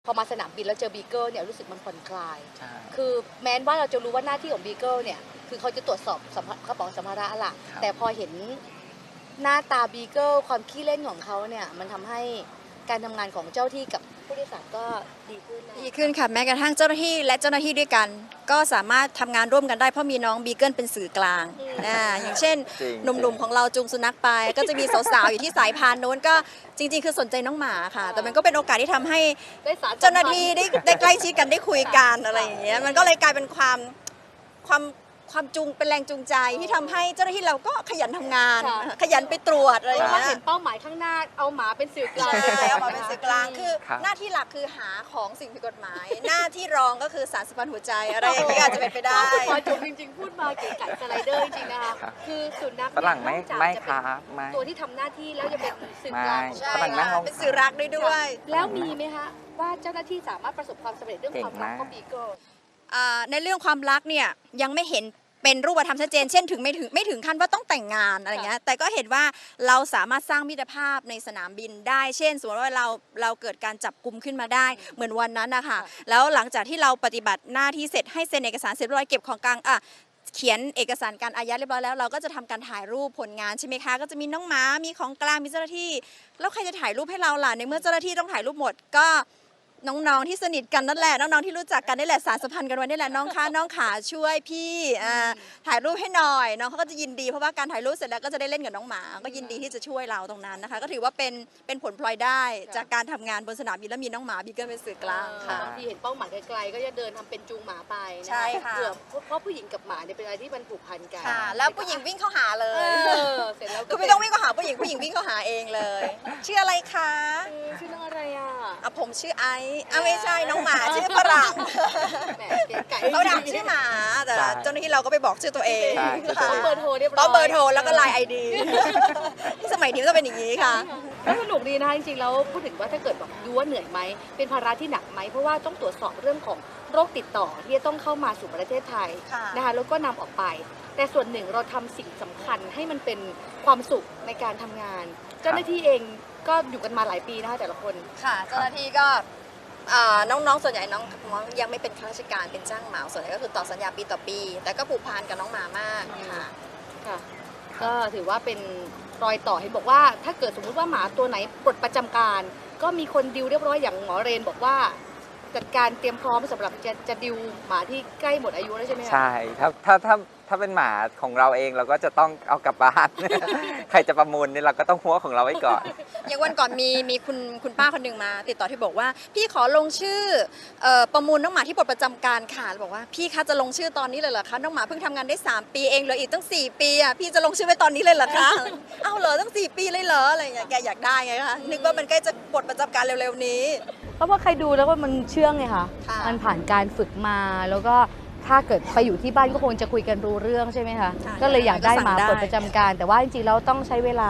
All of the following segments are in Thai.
พอมาสนามบินแล้วเจอบีเกิลเนี่ยรู้สึกมันผ่อนคลายคือแม้ว่าเราจะรู้ว่าหน้าที่ของบีเกิลเนี่ยคือเขาจะตรวจสอบกระเป๋าสัมภาระล่ะแต่พอเห็นหน้าตาบีเกิลความขี้เล่นของเขาเนี่ยมันทำให้การทำงานของเจ้าที่กับผู้โดยสารก็ดีขึ้นค่ะแม้กระทั่งเจ้าหน้าที่และเจ้าหน้าที่ด้วยกันก็สามารถทำงานร่วมกันได้เพราะมีน้องบีเกิลเป็นสื่อกลางอย่างเช่นหนุ่มๆของเราจูงสุนัขไปก็จะมีสาวๆอยู่ที่สายพานโน้นก็จริงๆคือสนใจน้องหมาค่ะแต่มันก็เป็นโอกาสที่ทำให้เจ้าหน้าที่ได้ใกล้ชิดกันได้คุยกันอะไรอย่างเงี้ยมันก็เลยกลายเป็นความจูงเป็นแรงจูงใจที่ทำให้เจ้าหน้าที่เราก็ขยันทำงานขยันไปตรวจอะไรอย่างเงี้ยเห็นเป้าหมายข้างหน้าเอาหมาเป็นสื่อกลางแล้วมาเป็นสื่อกลางคือหน้าที่หลักคือหาของสิ่งผิดกฎหมายหน้าที่รองก็คือสารสัมพันธ์หัวใจอะไรอย่างเงี้ยอาจจะเป็นไปได้พอจบจริงๆพูดมาเก๋ไก่สไลเดอร์จริงๆนะคะคือสุนัขฝรั่งไม่ครับตัวที่ทำหน้าที่แล้วจะเป็นสื่อกลางใช่เป็นสื่อรักด้วยแล้วมีไหมคะว่าเจ้าหน้าที่สามารถประสบความสำเร็จเรื่องความรักของบีเกิลในเรื่องความรักเนี่ยยังไม่เห็นเป็นรูปธรรมชัดเจนเช่นไม่ถึงขั้นว่าต้องแต่งงานอะไรเงี้ยแต่ก็เห็นว่าเราสามารถสร้างมิตรภาพในสนามบินได้เช่นสมมติว่าเราเกิดการจับกุมขึ้นมาได้เหมือนวันนั้นนะคะแล้วหลังจากที่เราปฏิบัติหน้าที่เสร็จให้เซ็นเอกสารเสร็จเรียบร้อยเก็บของกลางเขียนเอกสารการอายัดเรียบร้อยแล้วเราก็จะทำการถ่ายรูปผลงานใช่ไหมคะก็จะมีน้องหมามีของกลางมีเจ้าหน้าที่แล้วใครจะถ่ายรูปให้เราล่ะในเมื่อเจ้าหน้าที่ต้องถ่ายรูปหมดก็น้องๆที่สนิทกันนั่นแหละน้องๆที่รู้จักกันนี่แหละสารสัมพันธ์กันไว้นี่แหละน้องขาช่วยพี่ถ่ายรูปให้หน่อยน้องเขาก็จะยินดีเพราะว่าการถ่ายรูปเสร็จแล้วก็จะได้เล่นกับน้องหมาก็ยินดีที่จะช่วยเราตรงนั้นนะคะก็ถือว่าเป็นผลพลอยได้จากการทำงานบนสนามบินแล้วมีน้องหมาบีเกิลเป็นสื่อกลางค่ะบางทีเห็นเป้าหมายไกลๆก็จะเดินทำเป็นจูงหมาไปใช่ค่ะเพราะผู้หญิงกับหมาเนี่ยเป็นอะไรที่มันผูกพันกันแล้วผู้หญิงวิ่งเข้าหาเลยเสร็จแล้วก็ไม่ต้องวิ่งเข้าหาผู้หญิงวิ่งเข้าหาเองเลยชื่ออะไรคะชื่อน้องอะไรผมชื่อไอไม่ใช่น้องหมาชื่อฝรั่งเขาดักชื่อหมาแต่เจ้าหน้าที่เราก็ไปบอกชื่อตัวเองต้องเบอร์โทรเรียบร้อยต้องเบอร์โทรแล้วก็ไลน์ไอดีสมัยนี้ก็เป็นอย่างนี้ค่ะก็สนุกดีนะคะจริงๆแล้วพูดถึงว่าถ้าเกิดบอกดูว่าเหนื่อยไหมเป็นภาระที่หนักไหมเพราะว่าต้องตรวจสอบเรื่องของโรคติดต่อที่จะต้องเข้ามาสู่ประเทศไทยนะคะแล้วก็นำออกไปแต่ส่วนหนึ่งเราทำสิ่งสำคัญให้มันเป็นความสุขในการทำงานเจ้าหน้าที่เองก็อยู่กันมาหลายปีนะคะแต่ละคนค่ะเจ้าหน้าที่ก็น้องๆส่วนใหญ่น้องยังไม่เป็นข้าราชการเป็นจ้างเหมาส่วนใหญ่ก็คือต่อสัญญาปีต่อปีแต่ก็ผูกพันกับน้องหมามากค่ะก็ถือว่าเป็นรอยต่อเห็นบอกว่าถ้าเกิดสมมุติว่าหมาตัวไหนปลดประจำการก็มีคนดิวเรียบร้อยอย่างหมอเรนบอกว่าจัดการเตรียมพร้อมสำหรับจะดิวหมาที่ใกล้หมดอายุแล้วใช่ไหมใช่ถ้าเป็นหมาของเราเองเราก็จะต้องเอากลับบ้านใครจะประมูลเนี่ยเราก็ต้องหัวของเราไว้ก่อนอย่างวันก่อนมีคุณป้าคนหนึ่งมาติดต่อที่บอกว่าพี่ขอลงชื่อประมูลน้องหมาที่ปลดประจำการค่ะบอกว่าพี่คะจะลงชื่อตอนนี้เลยเหรอคะน้องหมาเพิ่งทำงานได้3 ปีเองเหลืออีกตั้ง4 ปีพี่จะลงชื่อไว้ตอนนี้เลยเหรอคะเอ้าเหรอตั้ง4 ปีเลยเหรออะไรอย่างเงี้ยแกอยากได้ไงคะนึกว่ามันใกล้จะปลดประจำการเร็วๆนี้เพราะว่าใครดูแล้วว่ามันเชื่องไงคะมันผ่านการฝึกมาแล้วก็ถ้าเกิดไปอยู่ที่บ้านก็คงจะคุยกันรู้เรื่องใช่ไหมคะก็เลยอยากได้หมาปลดประจำการแต่ว่าจริงๆแล้วต้องใช้เวลา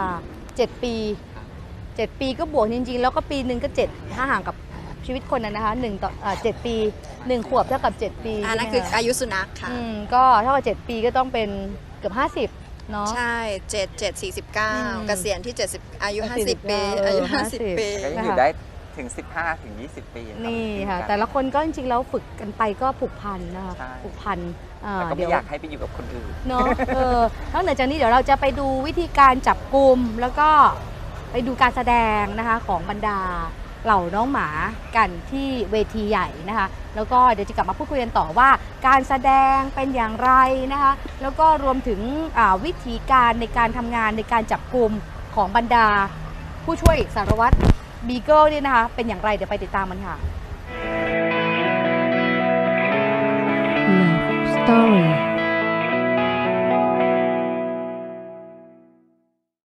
7 ปี7 ปีก็บวกจริงๆแล้วก็ปีหนึ่งก็7ถ้าห่างกับชีวิตคนนะคะ1 ต่อ 7 ปี1 ขวบเท่ากับ7 ปีนั่นคืออายุสุนัขค่ะก็เท่ากับ7 ปีก็ต้องเป็นเกือบ50เนาะใช่7 49เกษียณที่70อายุ50 ปีอายุ50 ปีก็อยู่ได้ถึง15 ถึง 20 ปีนี่ค่ะแต่ละคนก็จริงๆแล้วฝึกกันไปก็ผูกพันนะคะผูกพันแต่ก็ไม่อยากให้ไปอยู่กับคนอื่นเนาะนอกจากนี้เดี๋ยวเราจะไปดูวิธีการจับกุมแล้วก็ไปดูการแสดงนะคะของบรรดาเหล่าน้องหมากันที่เวทีใหญ่นะคะแล้วก็เดี๋ยวจะกลับมาพูดคุยกันต่อว่าการแสดงเป็นอย่างไรนะคะแล้วก็รวมถึงวิธีการในการทำงานในการจับกุมของบรรดาผู้ช่วยสารวัตรบีเกิลเนี่ยนะคะเป็นอย่างไรเดี๋ยวไปติดตามมันค่ะ Love Story